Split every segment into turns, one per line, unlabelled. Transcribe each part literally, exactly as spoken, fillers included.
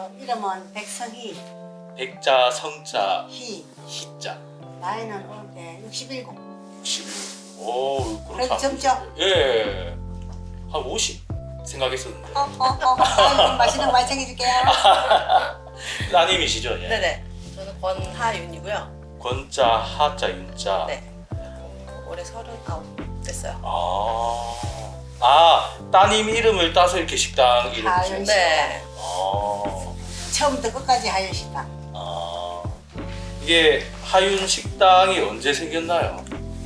어, 이름은 백성희,
백자, 성자,
희.
희자.
나이는 올해 육십칠.
육십일. 오, 그렇게
그래도
안
젊죠?
예. 한 오십 생각했었는데.
어, 어, 어. 아이고, 맛있는 거 많이 챙겨줄게요.
따님이시죠? 예.
네네. 저는 권하윤이고요.
권자, 하자, 윤자.
네. 어, 올해 서른아홉 됐어요.
아, 아 따님 이름을 따서 이렇게 식당 이름을
하윤 씨.
네.
아,
처음부터 끝까지 하윤 씨다.
아, 이게 하윤 식당이 언제 생겼나요?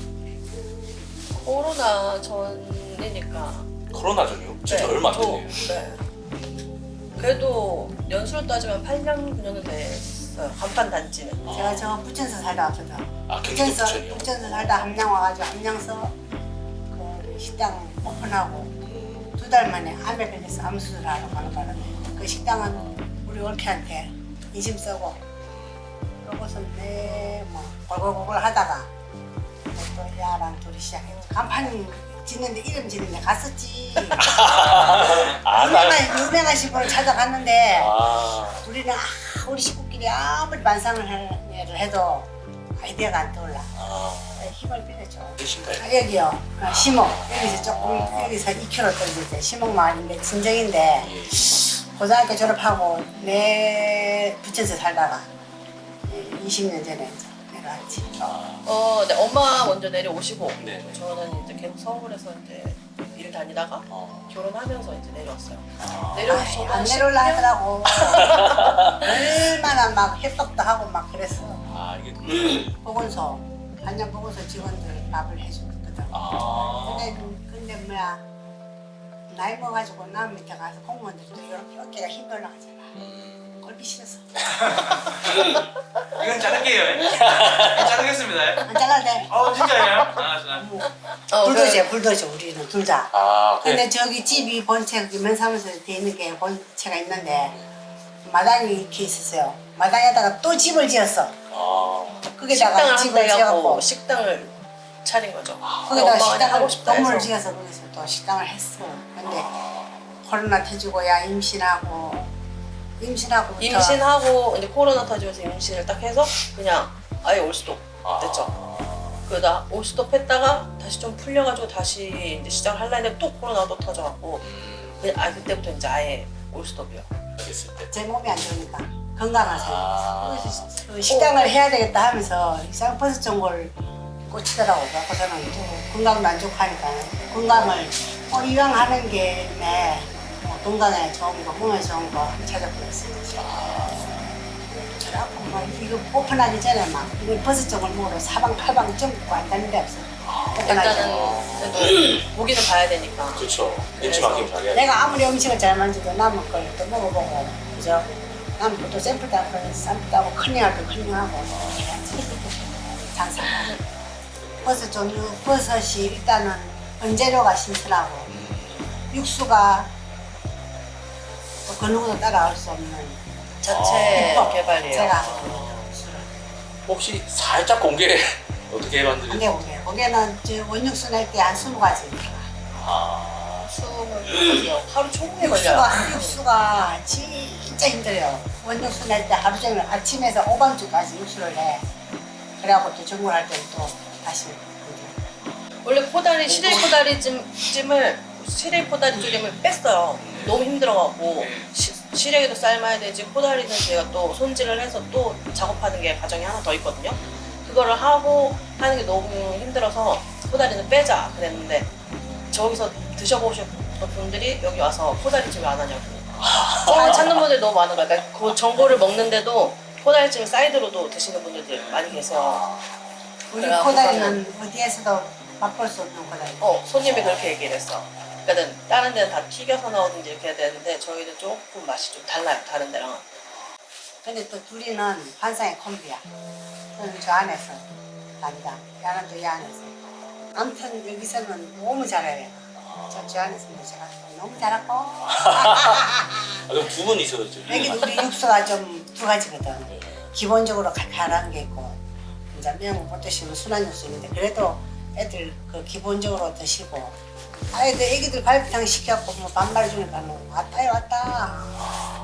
코로나 전이니까.
코로나 전이요? 진짜 얼마 안
저-
됐네요.
네. 그래도 연수로 따지면 팔 년, 구 년은 됐어요. 간판 단지는.
제가 저 부천서 살다 왔거든.
아, 경기도
부천서,
부천이요?
부천서 살다 함양 와가지고 함양서 그 식당 오픈하고 두 달 만에 암에 걸려서 암 수술하러 가는 바람에 그 식당은 우리 올케한테 인심 쓰고 그러고서 내뭐 골골골골 하다가 또 야랑 둘이 시작했죠. 간판 짓는데 이름 짓는데 갔었지.
아, 나,
유명한 유명하신 분을 찾아갔는데
아,
우리는 아, 우리 식구끼리 아무리 반상을 해- 해도 아이디어가 안 떠올라.
아,
힘을 빌려줘.
계신가요?
아, 여기요. 아, 시목. 여기서 조금 여기서 이 킬로미터 떨어질 시목 마을인데 진정인데
예.
고등학교 졸업하고 내 부천에서 살다가 이십 년 전에 이제 내려왔지.
아,
어, 네. 엄마 먼저 내려오시고.
네.
저는 이제 계속 서울에서 이제 일 다니다가
어.
결혼하면서 이제 내려왔어요.
아,
내려와서
아이,
저도
안
한
내려올라
십 년?
하더라고. 얼마나 막 협박도 하고 막 그랬어.
아, 이게,
보건소, 한양 보건소 직원들 밥을 해주거든.
아,
근데, 근데 뭐야, 나이 먹어가지고 남 밑에 가서 공무원들도 이렇게 어깨가 힘이 올라가잖아.
음,
꼴비 싫어서.
이건 자를게요. 자르겠습니다.
안 잘라도 돼.
어 진짜예요? 아, 아.
어,
불도저야, 불도저, 우리는 둘 다.
아, 그래.
근데 저기 집이 본체, 면사무소에 돼 있는 게 본체가 있는데, 마당이 이렇게 있었어요. 마당에다가 또 집을 지었어.
아,
거기다가
식당을
집을
한다고
지어갖고,
식당을 차린 거죠.
거기다가
엄마가
식당을,
하고 싶다
건물을
해서.
지어서 거기서 또 식당을 했어. 근데 코로나 터지고, 야, 임신하고, 임신하고.
임신하고 이제 코로나 터지면서 임신을 딱 해서 그냥 아예 올스톱
아.
됐죠. 그러다 올스톱 했다가 다시 좀 풀려가지고 다시 이제 시작을 하려 했는데 또 코로나가 또 터져갖고
음,
그냥 아 그때부터 이제 아예 올스톱이요.
알겠을 때.
제 몸이 안 좋으니까 건강을
아.
생각해서 그 식당을 해야 되겠다 하면서 쌍버섯 전골 꽂히더라고. 그래서는 또 건강도 안 좋고 하니까 건강을 어, 이왕 하는 게네 뭐 건강에 좋은 거, 몸에 좋은 거 찾아보겠어요. 그래갖고 막 이거 오픈하기 전에 막 이거 버섯 전골 먹으러 사방팔방 전국 안 다는 데 없어.
일단은 그래도 보기는 봐야 되니까.
그렇죠. 눈치 맡기면 잘해야 돼.
내가 아무리 음식을 잘 만져도 남은 걸 또 먹어보고 그죠? 남은 것도 샘플 따고 샘플 따고 컨닝할 때 컨닝하고 해야지. 장사하고 버섯 종류 버섯이 일단은 원재료가 신선하고 육수가 또 그 누구도 따라올 수 없는
자체
어,
개발이에요.
제가 하거든요.
혹시 살짝 공개 어떻게
근데
만드는지?
고개 고개는 저 원육수 낼 때 한 스무 가지
아,
숨을 하루 종일 걸려요.
육수가 육수가 진짜 힘들어요. 원육수 낼 때 하루 종일 아침에서 오밤중까지 육수를 내. 그래갖고 또 전골할 때는 또 다시 이제
원래 코다리 시래기 코다리 찜, 찜을 시래기 코다리 조림을 뺐어요. 너무 힘들어갖고 시, 시래기도 삶아야 되지 코다리는 제가 또 손질을 해서 또 작업하는 게 과정이 하나 더 있거든요. 그거를 하고 하는 게 너무 힘들어서 코다리는 빼자 그랬는데 저기서 드셔보신 분들이 여기 와서 코다리찜을 안 하냐고 어, 찾는 분들이 너무 많은 거야. 그러니까 그 전골을 먹는데도 코다리찜을 사이드로도 드시는 분들이 많이 계세요.
우리
그래갖고
코다리는 어디에서도 맛볼 수 없는 코다리.
어, 손님이 그렇게 얘기를 했어. 그러니까 다른 데는 다 튀겨서 나오든지 이렇게 해야 되는데 저희는 조금 맛이 좀 달라요. 다른 데랑은.
근데 또 둘이는 환상의 콤비야. 저는 저 안에서 남자, 야는 또 이 안에서. 아무튼 여기서는 너무 잘해요. 저, 저 안에서는 제가 너무 잘하고.
아, 그럼 두 분이서 지금
여기 우리 육수가 좀 두 가지거든. 기본적으로 칼칼한 게 있고, 이제 매운 거 못 드시면 순한 육수 있는데, 그래도 애들 그 기본적으로 드시고, 아이들 애기들 갈비탕 시켜갖고 뭐 반말 주니까 왔다요 왔다.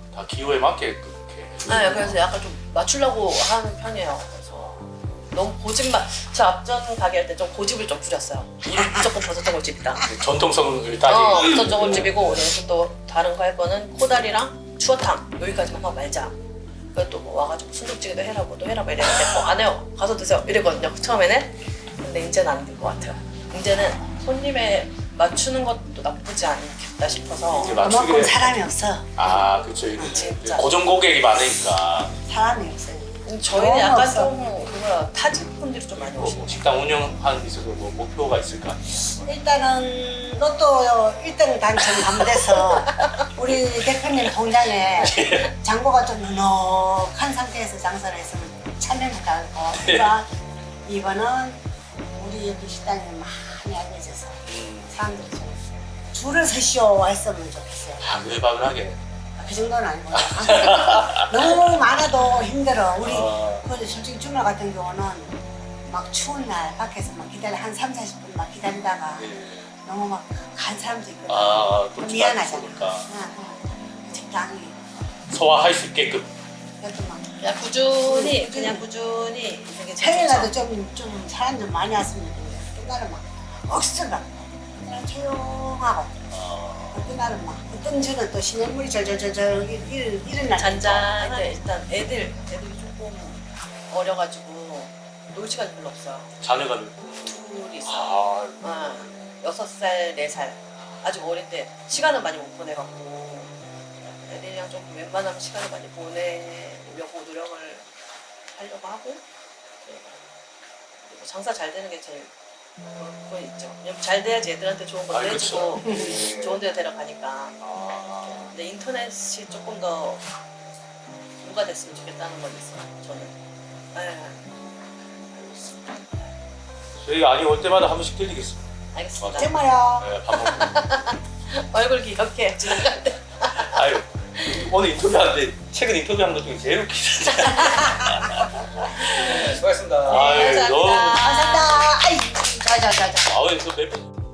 다 기호에 맞게 그렇게.
네, 그래서 약간 좀 맞추려고 하는 편이에요. 그래서 너무 고집만, 저 앞전 가게 할 때 좀 고집을 좀 부렸어요. 우리 무조건 버섯저골집이다.
전통성을
어,
따지고.
버섯저골집이고 그래서 또 다른 거 할 거는 코다리랑 추어탕 여기까지만 하고 말자. 그래서 또뭐 와가지고 순두부찌개도 해라고 또 해라고 이랬는데 어, 안 해요. 가서 드세요. 이랬거든요. 처음에는. 근데 이제는 안 될 것 같아요. 이제는 손님에 맞추는 것도 나쁘지 않겠다 싶어서
이제
그만큼
맞추게.
사람이 없어.
아 그렇죠.
진짜.
고정 고객이 많으니까.
사람이 없어요.
저희는
너무
약간
없어.
좀 그거야 타직 분들이 좀 많이
뭐,
오시는
뭐 식당 운영하는 데 있어서 뭐 목표가 있을까?
일단은 로또 일 등 당첨 감돼서 우리 대표님 공장에 장고가 좀 넉넉한 상태에서 장사를 했으면 참여를 가고 이번 이번은 우리 여기 식당이 많이 알려져서 사람들이 좀 줄을 서시오 했으면 좋겠어요.
바글바글하게.
그 정도는 아니고 너무 많아도 힘들어. 우리
아.
그 솔직히 주말 같은 경우는 막 추운 날 밖에서 막 기다려 한 삼, 사십 분 막 기다리다가
예.
너무 막 간 사람도 있거든.
아, 또
그럼 미안하잖아.
있으니까.
응. 적당히
소화할 수 있게끔.
그래도 막
그냥 꾸준히
꾸준히.
그냥 꾸준히 되게 제일
평일날도
좋죠.
좀, 좀 사람 좀 많이 왔으면 좋겠는데 어떤 날은 막 억수로 막 그냥 조용하고
아,
어떤 날은 막 어떤 주는 또 시냇물이 절절절절 이런 이런 날
잔잔한데 일단 애들 애들이 조금 어려가지고 놀 시간이 별로 없어요.
자녀가
둘이 있어요.
아,
어, 여섯 살, 네 살 아직 어린데 시간을 많이 못 보내갖고 애들이랑 좀 웬만하면 시간을 많이 보내려고 노력을 하려고 하고 그리고 장사 잘 되는 게 제일 그거 있죠. 왜냐면 잘 돼야지 애들한테 좋은 것도
아, 그쵸.
해주고 좋은 데 데려가니까.
아.
근데 인터넷이 조금 더 누가 됐으면 좋겠다는 건 있어요. 저는. 네,
저희 아니 올 때마다 한 번씩 들리겠습니다.
알겠습니다.
정말요.
네, 밥 먹고.
얼굴 기억해 지나갈 때.
아유, 오늘 인터뷰하는데 최근 인터뷰한 것 중에 제일 웃기다.
네, 수고하셨습니다.
아유, 너무.
감사합니다.
감사합니다. 아이, 자자자자.
아, 오늘 또 몇 번.